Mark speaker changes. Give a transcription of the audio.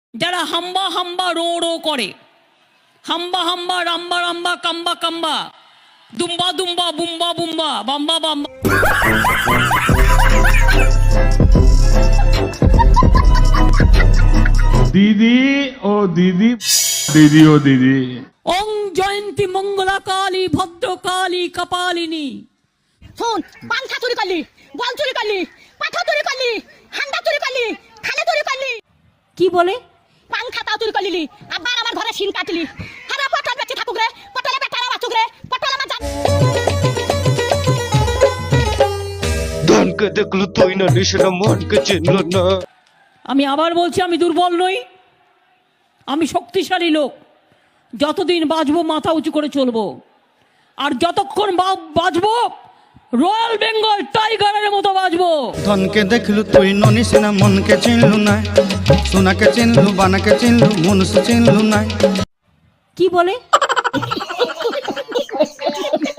Speaker 1: যারা হাম্বা হাম্বা রো রো করে, হাম্বা হাম্বা রাম্বা রাম্বা কাম্বা কাম্বা, দুম্বা দুম্বা বুম্বা বুম্বা বাম্বা বাম্বা।
Speaker 2: দিদি ও দিদি, দিদি ও দিদি।
Speaker 1: ওং জয়ন্তী মঙ্গলা কালী ভদ্রকালী কপালিনী।
Speaker 3: শোন, পাংখা চুরি করলি, বল চুরি করলি, পাঠা চুরি করলি, হান্ডা চুরি করলি, খালে চুরি করলি।
Speaker 1: কি বলে?
Speaker 3: পাংখা তাও চুরি করলি, আবার আমার ঘরে শিন কাটলি। হারা পটল বেঁচে থাকুক রে, পটলে বেটারা বাঁচুক রে, পটল আমার জান।
Speaker 4: ধনকে দেখলো তুই না, নিশানা মনকে চিনল না।
Speaker 1: আমি আবার বলছি, আমি দুর্বল নই, আমি শক্তিশালী লোক। যতদিন বাঁচবো মাথা উঁচু করে চলবো, আর যতক্ষণ বাঁচবো রয়্যাল বেঙ্গল টাইগারের মতো বাঁচবো।
Speaker 5: ধনকে দেখলু তুই ননিস না, মনকে চিনলু না, সোনাকে চিনলু, বানাকে চিনলু, মনুষ্য চিনলু না।
Speaker 1: কি বলে?